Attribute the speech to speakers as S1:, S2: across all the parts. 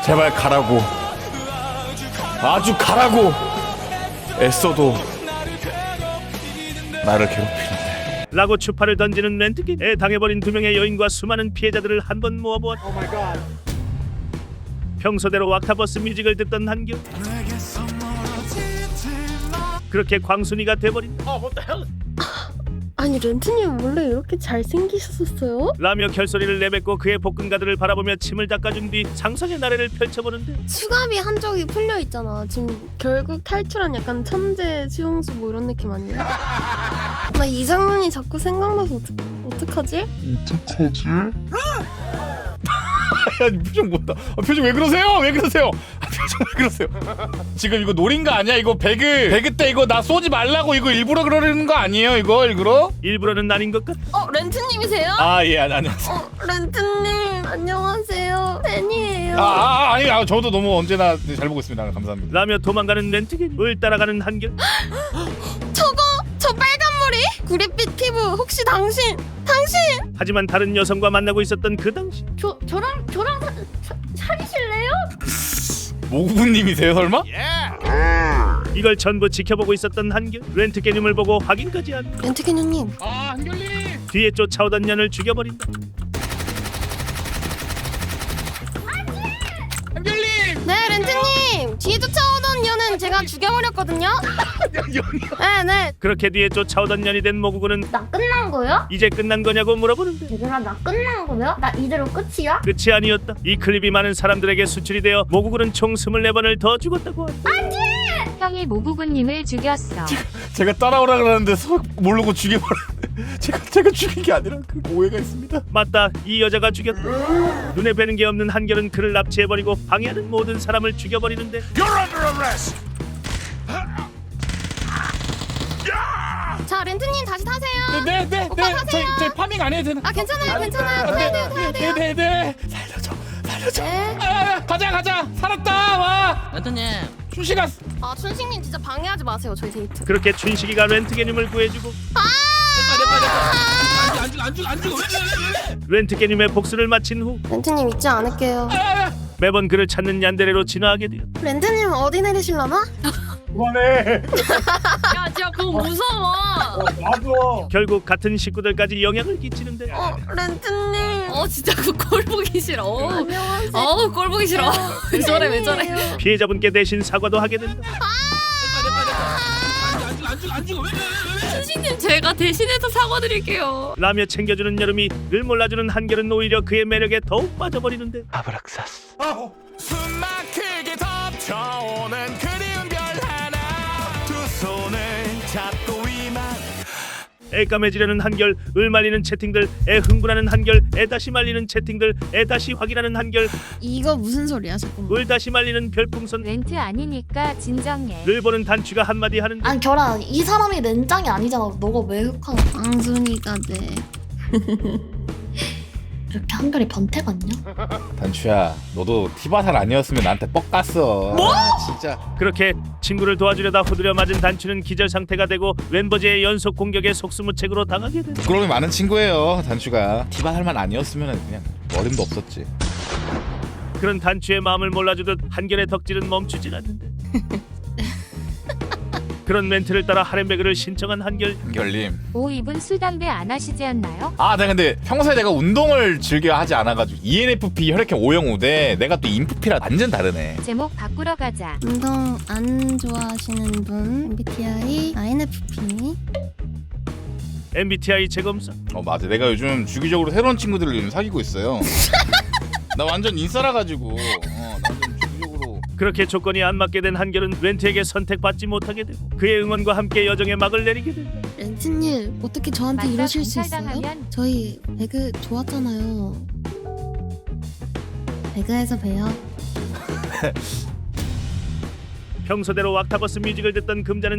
S1: 제발 가라고. 아주 가라고. 애써도 나를 괴롭히는데.
S2: 라고 추파를 던지는 렌트기. 당해버린 두 명의 여인과 수많은 피해자들을 한 번 모아보았다. 평소대로 왁타버스 뮤직을 듣던 한결. 그렇게 광순이가 돼버린
S3: 아니 렌트님 원래 이렇게 잘생기셨었어요?
S2: 라며 결소리를 내뱉고 그의 복근가들을 바라보며 침을 닦아준 뒤 상상의 나래를 펼쳐보는데
S3: 수갑이 한쪽이 풀려 있잖아. 지금 결국 탈출한 약간 천재 수용수 뭐 이런 느낌 아니야? 나 이 장면이 자꾸 생각나서 어떡하지?
S1: 야, 표정 못다. 표정 왜 그러세요? 왜 그러세요? 표정 왜 그러세요? 지금 이거 노린 거 아니야? 이거 배그 때 이거 나 쏘지 말라고 이거 일부러 그러는 거 아니에요? 이거 일부러?
S2: 일부러는 아닌 것 같아.
S3: 렌트님이세요?
S1: 아, 예, 안녕하세요.
S3: 렌트님 안녕하세요. 팬이에요.
S1: 아니, 저도 너무 언제나 잘 보고 있습니다. 감사합니다.
S2: 라며 도망가는 렌트기. 을 따라가는 한결.
S3: 저 빨간 머리 구릿빛 피부 혹시 당신?
S2: 하지만 다른 여성과 만나고 있었던 그 당시
S3: 저랑 사귀실래요?
S1: 모구님이세요, 설마?
S2: 이걸 전부 지켜보고 있었던 한결. 렌트 개념을 보고 확인까지 한
S3: 렌트게누님
S1: 아, 한결님.
S2: 뒤에 쫓아오던 년을 죽여버린다.
S1: 한결님.
S3: 네 렌트님 뒤에 쫓아오던 년은 제가 죽여버렸거든요. 네.
S2: 그렇게 뒤에 쫓아오던 년이 된 모구구는
S4: 나 끝난 거야?
S2: 이제 끝난 거냐고 물어보는데
S4: 얘들아 나 끝난 거야? 나 이대로 끝이야?
S2: 끝이 아니었다. 이 클립이 많은 사람들에게 수출이 되어 모구구는 총 24번을 더 죽었다고 한다.
S5: 형이 모구구님을 죽였어.
S1: 제가 따라오라 그러는데 모르고 죽여버렸는데 제가 죽인 게 아니라 그 오해가 있습니다.
S2: 맞다, 이 여자가 죽였다. 눈에 뵈는 게 없는 한결은 그를 납치해버리고 방해하는 모든 사람을 죽여버리는데
S3: 자 렌트님 다시 타세요.
S1: 네.
S3: 오빠 타세요.
S1: 저희 파밍 안 해도 되나?
S3: 아 괜찮아요. 타야 돼요.
S1: 네. 살려줘.
S3: 네.
S1: 가자. 살았다. 와.
S6: 렌트님
S1: 춘식아.
S3: 아 춘식님 진짜 방해하지 마세요. 저희 데이트.
S2: 그렇게 춘식이가 렌트게님을 구해주고
S6: 안 죽어 왜?
S2: 렌트게님의 복수를 마친 후
S3: 렌트님 잊지 않을게요.
S2: 매번 그를 찾는 얀데레로 진화하게 되었다.
S3: 렌트님 어디 내리실라나?
S1: 그만해.
S7: 야 진짜 그거 무서워.
S1: 놔둬.
S2: 결국 같은 식구들까지 영향을 끼치는데
S3: 렌트님.
S7: 진짜 그 꼴 보기 싫어.
S3: 안녕하세요.
S7: 꼴 보기 싫어. 왜 저래?
S2: 피해자분께 대신 사과도 하게 된다.
S6: 안 죽어 왜?
S7: 신님 제가 대신해서 사과드릴게요.
S2: 라며 챙겨주는 여름이 늘 몰라주는 한결은 오히려 그의 매력에 더욱 빠져버리는데
S1: 아브락사스.
S8: 숨막히게 덮쳐오는 그리운 별 하나 두 손을 잡고 위만
S2: 애 까매지려는 한결, 을 말리는 채팅들, 애 흥분하는 한결, 애 다시 말리는 채팅들, 애 다시 확인하는 한결,
S3: 이거 무슨 소리야 잠깐만.
S2: 을 다시 말리는 별풍선,
S5: 렌트 아니니까 진정해.
S2: 를 보는 단추가 한마디 하는데
S4: 아니 결아 이 사람이 렌장이 아니잖아. 너가 왜 흑한
S3: 앙순이가 돼.
S4: 이렇게 한결이 변태 같냐?
S1: 단추야, 너도 티바살 아니었으면 나한테 뻑 갔어. 뭐? 진짜.
S2: 그렇게 친구를 도와주려다 후드려 맞은 단추는 기절 상태가 되고 웬버지의 연속 공격에 속수무책으로 당하게 된다.
S1: 부끄러움이 많은 친구예요, 단추가. 티바살만 아니었으면 그냥 어림도 없었지.
S2: 그런 단추의 마음을 몰라주듯 한결의 덕질은 멈추질 않는데 그런 멘트를 따라 하렘베그를 신청한 한결.
S1: 한결님.
S5: 오 이분 술 담배 안 하시지 않나요?
S1: 아, 네, 근데 평소에 내가 운동을 즐겨 하지 않아가지고 ENFP 혈액형 O형우대 내가 또 인프피라 완전 다르네.
S5: 제목 바꾸러 가자.
S3: 운동 안 좋아하시는 분 MBTI INFP.
S2: MBTI 재검사.
S1: 맞아. 내가 요즘 주기적으로 새로운 친구들을 요즘 사귀고 있어요. 나 완전 인싸라 가지고. 나 좀 주기적으로.
S2: 그렇게 조건이 안 맞게 된 한결은 렌트에게 선택받지 못하게 되고 그의 응원과 함께 여정의 막을 내리게 된다.
S3: 렌트님 어떻게 저한테
S5: 맞다,
S3: 이러실 수 있어요?
S5: 검찰당하면-
S3: 저희 배그 좋았잖아요. 배그에서 봬요.
S2: 평소대로 왁타버스 뮤직을 듣던 금자는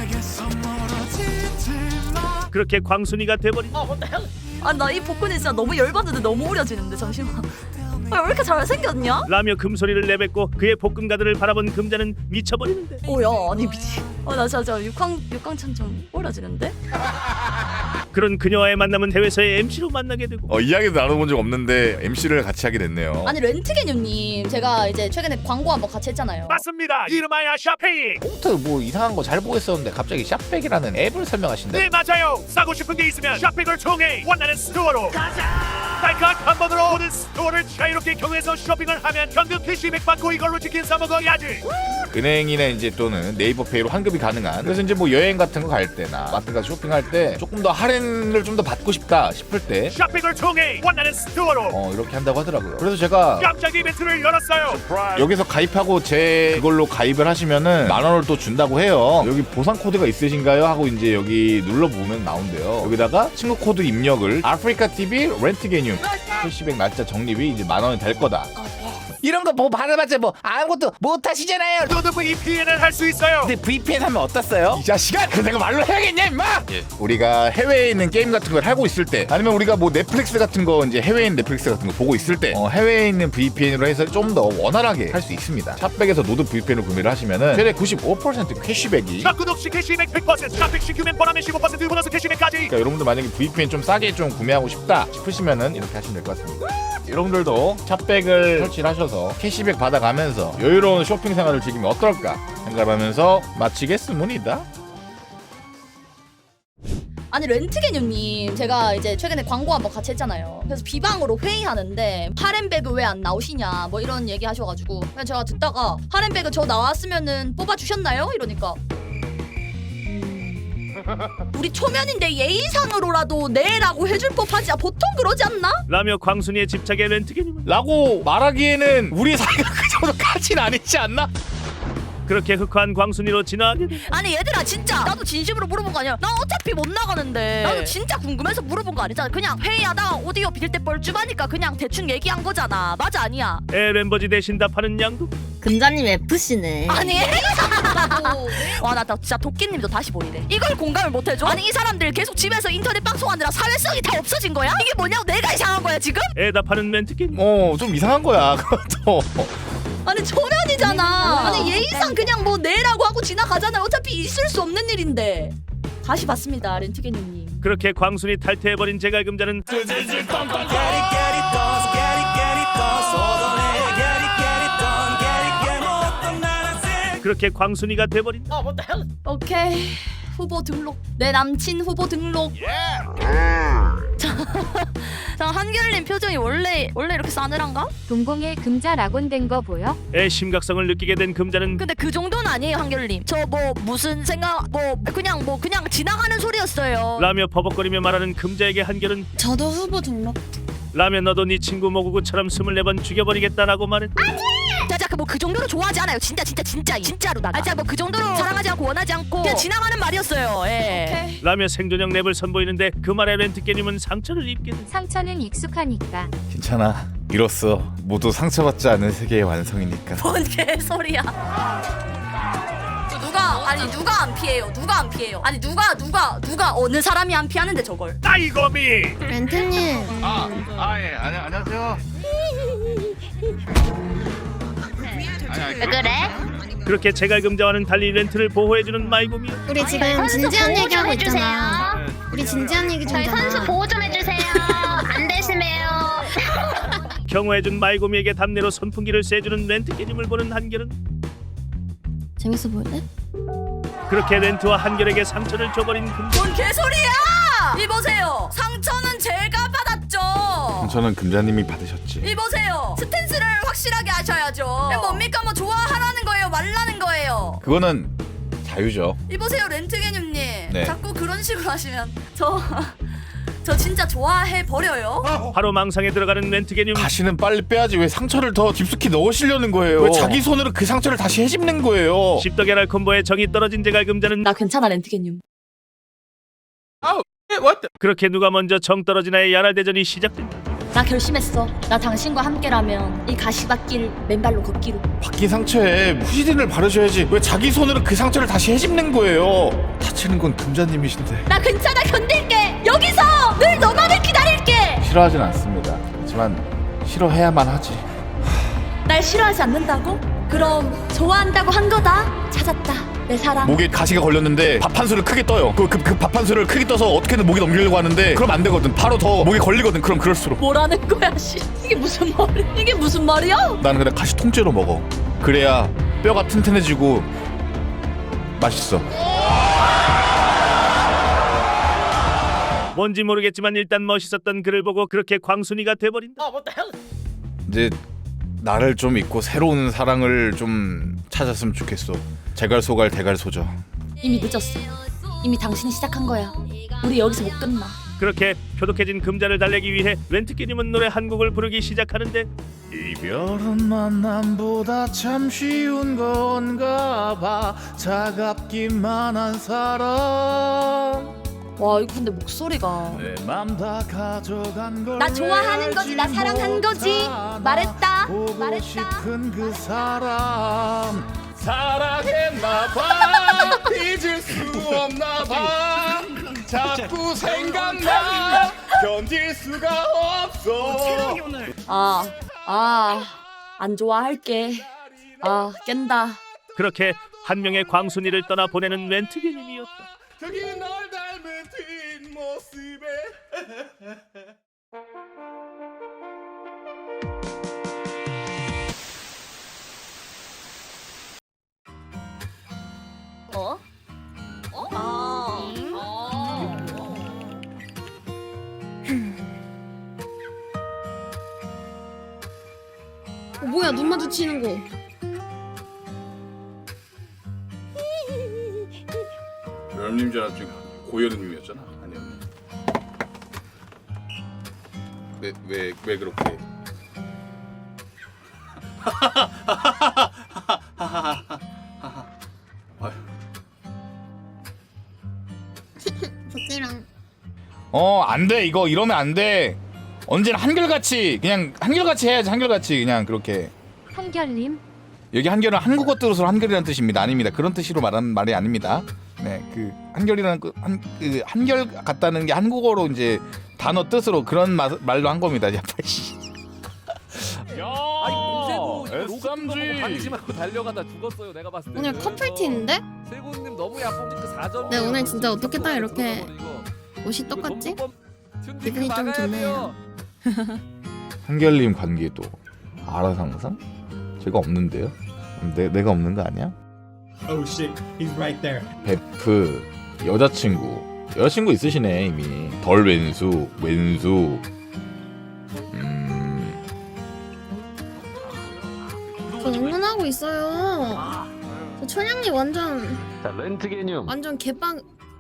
S2: 그렇게 광순이가 돼버린
S7: 나 이 복근이 진짜 너무 열받는데 너무 우려지는데 잠시만. 왜 이렇게 잘생겼냐?
S2: 라며 금소리를 내뱉고 그의 복근가들을 바라본 금자는 미쳐버리는데
S7: 오야 아니 미치. 나 진짜 육광천좀 우려지는데?
S2: 그런 그녀와의 만남은 해외에서의 MC로 만나게 되고
S1: 이야기도 나눠본 적 없는데 MC를 같이 하게 됐네요.
S7: 아니 렌트개념님 제가 이제 최근에 광고 한번 같이 했잖아요.
S2: 맞습니다. 이름하여 샤페이.
S9: 폰트 뭐 이상한 거 잘 보겠었는데 갑자기 샵백이라는 앱을 설명하신다.
S2: 네 맞아요. 싸고 싶은 게 있으면 샤백을 통해 원하는 스토어로 달콤한 한 번으로 모든 스토어를 자유롭게 경유해서 쇼핑을 하면 현금 캐시백 받고 이걸로 치킨 사 먹어야지.
S1: 은행이나 이제 또는 네이버페이로 환급이 가능한. 그래서 이제 뭐 여행 같은 거 갈 때나 마트 가서 쇼핑할 때 조금 더 할인을 좀 더 받고 싶다 싶을 때
S2: 샤백을 통해 원하는 스토어로
S1: 이렇게 한다고 하더라고요. 그래서 제가
S2: 깜짝 이벤트를 열었어요.
S1: 여기서 가입하고 제 그걸로 가입을 하시면은 10,000원을 또 준다고 해요. 여기 보상 코드가 있으신가요? 하고 이제 여기 눌러보면 나온대요. 여기다가 친구 코드 입력을 아프리카 TV 렌트 개념 캐시백 날짜 적립이 이제 10,000원이 될 거다.
S9: 이런 거 뭐 받아봤자 뭐 아무것도 못 하시잖아요.
S2: 너도 VPN을 할 수 있어요.
S9: 근데 VPN 하면 어떻어요?
S1: 이 자식아! 그 내가 말로 해야겠냐 임마! 우리가 해외에 있는 게임 같은 걸 하고 있을 때 아니면 우리가 뭐 넷플릭스 같은 거 이제 해외에 있는 넷플릭스 같은 거 보고 있을 때 해외에 있는 VPN으로 해서 좀 더 원활하게 할 수 있습니다. 샵백에서 노드 VPN을 구매를 하시면은 최대 95% 캐시백이
S2: 샵구독시 캐시백 100%, 샵백 신규면 보너면 15% 보너스 캐시백까지.
S1: 그러니까 여러분들 만약에 VPN 좀 싸게 좀 구매하고 싶다 싶으시면은 이렇게 하시면 될 것 같습니다. 여러분들도 샵백을 설치를 하셔서 캐시백 받아가면서 여유로운 쇼핑 생활을 즐기면 어떨까 생각하면서 마치겠습니다.
S7: 아니 렌트개념님 제가 이제 최근에 광고 한번 같이 했잖아요. 그래서 비방으로 회의하는데 하렘배그 왜 안 나오시냐 뭐 이런 얘기 하셔가지고 그냥 제가 듣다가 하렘배그 저 나왔으면은 뽑아주셨나요? 이러니까 우리 초면인데 예의상으로라도 네라고 해줄 법하지 보통 그러지 않나?
S2: 라며 광순이의 집착에 렌트게님은
S1: 라고 말하기에는 우리 사이가 그 정도까진 아니지 않나?
S2: 그렇게 흑화한 광순이로 지나가게 돼.
S7: 아니 얘들아 진짜 나도 진심으로 물어본 거 아니야. 나 어차피 못 나가는데 나도 진짜 궁금해서 물어본 거 아니잖아. 그냥 회의하다가 오디오 빌 때 뻘쭘하니까 그냥 대충 얘기한 거잖아. 맞아 아니야?
S2: 램버지 대신 답하는 양도.
S4: 금자님 FC네.
S7: 아니 와나 진짜 도끼님도 다시 보이네. 이걸 공감을 못 해줘? 아니 이 사람들 계속 집에서 인터넷 방송하느라 사회성이 다 없어진 거야? 이게 뭐냐고 내가 이상한 거야 지금?
S2: 답하는 멘트게님.
S1: 좀 이상한 거야 그것도.
S7: 아니 초면이잖아. 아니 예의상 그냥 뭐 내라고 하고 지나가잖아. 어차피 있을 수 없는 일인데. 다시 봤습니다 렌트게님님.
S2: 그렇게 광순이 탈퇴해버린 제갈금자는 그렇게 광순이가 돼버린.
S7: 오케이 후보 등록. 내 남친 후보 등록. 자 한결님 표정이 원래 이렇게 싸늘한가?
S5: 동공에 금자 락온된 거 보여?
S2: 심각성을 느끼게 된 금자는
S7: 근데 그 정도는 아니에요 한결님. 저 뭐 무슨 생각 그냥 지나가는 소리였어요.
S2: 라며 버벅거리며 말하는 금자에게 한결은
S3: 저도 후보 등록.
S2: 라며 너도 네 친구 모구구처럼 24번 죽여버리겠다라고 말했다.
S7: 자자 그 정도로 좋아하지 않아요. 진짜로 나가. 자 뭐 그 정도로 사랑하지 않고 원하지 않고 그냥 지나가는 말이었어요. 예.
S2: 라며 생존형 랩을 선보이는데 그 말에 렌트게님은 상처를 입게 돼.
S5: 상처는 익숙하니까.
S1: 괜찮아. 이로써 모두 상처받지 않은 세계의 완성이니까.
S7: 뭔 개소리야. 누가 안 피해요? 누가 안 피해요? 아니 누가 어느 사람이 안 피하는데 저걸?
S2: 따이거미.
S3: 렌트님.
S1: 안녕하세요.
S4: 왜 그래?
S2: 그렇게 제갈금자와는 달리 렌트를 보호해주는 마이곰이.
S3: 우리 지금 진지한 얘기하고 있잖아. 우리 진지한 얘기 좀 하자.
S4: 보호 좀 해주세요. 안 되시네요.
S2: 경호해준 마이곰이에게 답례로 선풍기를 쐬주는 렌트게님을 보는 한결은
S3: 재밌어 보이네?
S2: 그렇게 렌트와 한결에게 상처를 줘버린 금자.
S7: 뭔 개소리야! 이보세요. 상처는 제가 받았죠.
S1: 저는 금자님이 받으셨지.
S7: 이보세요. 스탠스를 확실하게 하셔야죠. 뭡니까 뭐 좋아하라는 거예요, 말라는 거예요.
S1: 그거는 자유죠.
S7: 이보세요 렌트게님님.
S1: 네.
S7: 자꾸 그런 식으로 하시면 저 진짜 좋아해 버려요.
S2: 바로 망상에 들어가는 렌트게님.
S1: 다시는 빨리 빼야지. 왜 상처를 더 깊숙이 넣으시려는 거예요? 왜 자기 손으로 그 상처를 다시 해집는 거예요?
S2: 십덕야랄 콤보에 정이 떨어진 제갈금자는
S7: 나 괜찮아 렌트게님.
S2: 그렇게 누가 먼저 정 떨어지나의 야랄 대전이 시작된다.
S7: 나 결심했어. 나 당신과 함께라면 이 가시밭길 맨발로 걷기로.
S1: 바뀐 상처에 후시딘을 바르셔야지. 왜 자기 손으로 그 상처를 다시 해집는 거예요? 다치는 건 금자님이신데.
S7: 나 괜찮아 견딜게. 여기서 늘 너만을 기다릴게.
S1: 싫어하진 않습니다. 하지만 싫어해야만 하지.
S7: 날 싫어하지 않는다고? 그럼 좋아한다고 한 거다. 찾았다. 내 사랑.
S1: 목에 가시가 걸렸는데 밥 한 수를 크게 떠요. 그 밥 한 수를 크게 떠서 어떻게든 목에 넘기려고 하는데 그럼 안 되거든. 바로 더 목에 걸리거든. 그럼 그럴수록
S7: 뭐라는 거야, 씨. 이게 무슨 말이? 이게 무슨 말이야?
S1: 나는 그냥 가시 통째로 먹어. 그래야 뼈가 튼튼해지고 맛있어.
S2: 뭔지 모르겠지만 일단 멋있었던 그를 보고 그렇게 광순이가 돼버린다.
S1: 이제 나를 좀 잊고 새로운 사랑을 좀 찾았으면 좋겠어. 제갈소갈 대갈소죠.
S7: 이미 늦었어. 이미 당신이 시작한 거야. 우리 여기서 못 끝나.
S2: 그렇게 표독해진 금자를 달래기 위해 렌트기님은 노래 한 곡을 부르기 시작하는데
S1: 이별은 만남보다 참 쉬운 건가 봐. 차갑기만 한 사람
S7: 와, 이거 근데 목소리가.
S1: 내 맘 다 가져간 걸
S7: 나 좋아하는 거지, 나 사랑한 거지. 말했다.
S1: 보고
S7: 말했다.
S1: 싶은 그 사람 사랑했나봐. 잊을 수 없나봐. 자꾸 생각나. 견딜 수가 없어.
S7: 안 좋아할게. 깬다.
S2: 그렇게 한 명의 광순이를 떠나 보내는 렌트기님이었다.
S1: 저기 널 닮은 뒷모습에
S3: 뭐야 눈 마주치는 거.
S1: 연님 줄 알았지. 고연님이었잖아. 아니었네. 왜 그렇게?
S3: 복귀랑.
S1: 안 돼. 이거 이러면 안 돼. 언제나 한결같이 그냥 한결같이 해야지. 한결같이 그냥 그렇게.
S5: 한결님
S1: 여기 한결은 한국어 뜻으로 한결이라는 뜻입니다. 아닙니다. 그런 뜻으로 말하는 말이 아닙니다. 네, 그 한결이라는 그 한결 같다는 게 한국어로 이제 단어 뜻으로 그런 말로 한 겁니다. 야,
S6: S3G 방심 하고 달려가다 죽었어요. 내가 봤을 때.
S3: 오늘 커플티인데?
S6: 세군님 너무 야뽕 그 4점.
S3: 네, 오늘 진짜 어떻게 딱 이렇게 옷이 똑같지? 기분이 좀 좋네요.
S1: 한결님 관계도 알아서 항상 제가 없는데요. 내가 없는 거 아니야?
S10: Oh shit, he's right there.
S1: 베프 여자친구 있으시네 이미. 덜 왼수
S3: 저 응원하고 있어요. 저 천양님 완전
S6: 자, 렌트 개념.
S3: 완전 개빵.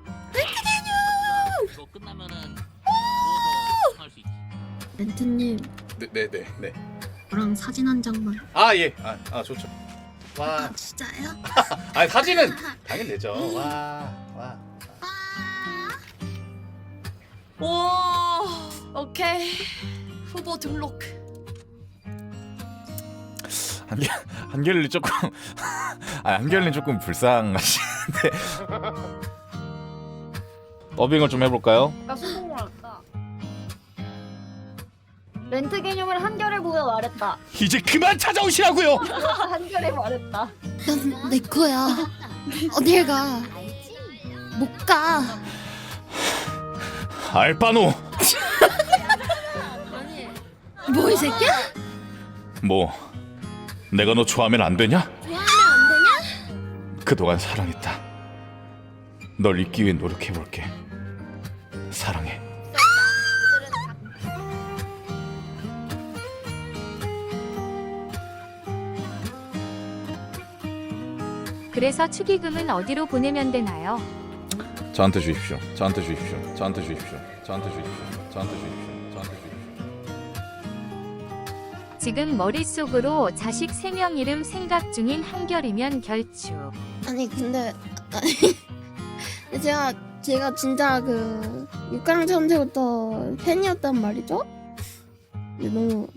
S6: 이거 끝나면은 할 수 있지.
S3: 렌트님
S1: 네.
S3: 저랑 사진 한 장만.
S1: 예. 좋죠. 와.
S3: 진짜요?
S1: 사진은 당연 되죠. 와.
S7: 와, 오케이. 후보 등록.
S1: 한결이 조금 한결이 조금 불쌍하시는데 더빙을 좀 해볼까요?
S4: 나 성공을 할까? 렌트 개념을 한결에 보여 말했다.
S1: 이제 그만 찾아오시라고요.
S4: 한결에 말했다.
S3: 넌 내 거야. 어딜 가? 못 가.
S1: 알바노.
S3: 뭐 이 새끼야?
S1: 뭐 내가 너 좋아하면 안 되냐?
S3: 좋아하면 안 되냐?
S1: 그동안 사랑했다. 널 잊기 위해 노력해볼게. 사랑해.
S5: 그래서 축의금은 어디로 보내면 되나요?
S1: 저한테 주십시오.
S5: 지금 머릿속으로 자식 3명 이름 생각 중인 한결이면 결축.
S3: 아니 근데 제가 진짜 그 6강 전제부터 팬이었단 말이죠? 근데 너무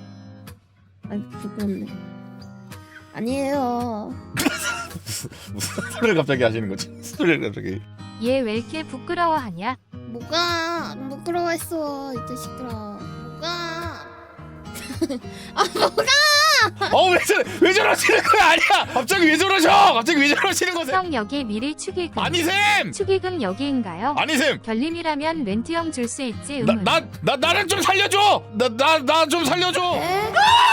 S3: 부끄럽네. 아니에요.
S1: 무슨 소리를 갑자기 하시는 거지? 소리를 갑자기.
S5: 얘 왜 이렇게 부끄러워하냐?
S3: 뭐가 부끄러워했어 이 자식들아. 뭐가 뭐가
S1: 왜 저러시는 거야? 아니야. 갑자기 왜 저러셔? 갑자기 왜 저러시는 거세요?
S5: 성역의 미래 축의금.
S1: 아니셈.
S5: 축의금 여기인가요?
S1: 아니셈.
S5: 별님이라면 렌트형 줄 수 있지.
S1: 나는 좀 살려줘. 나 좀 살려줘.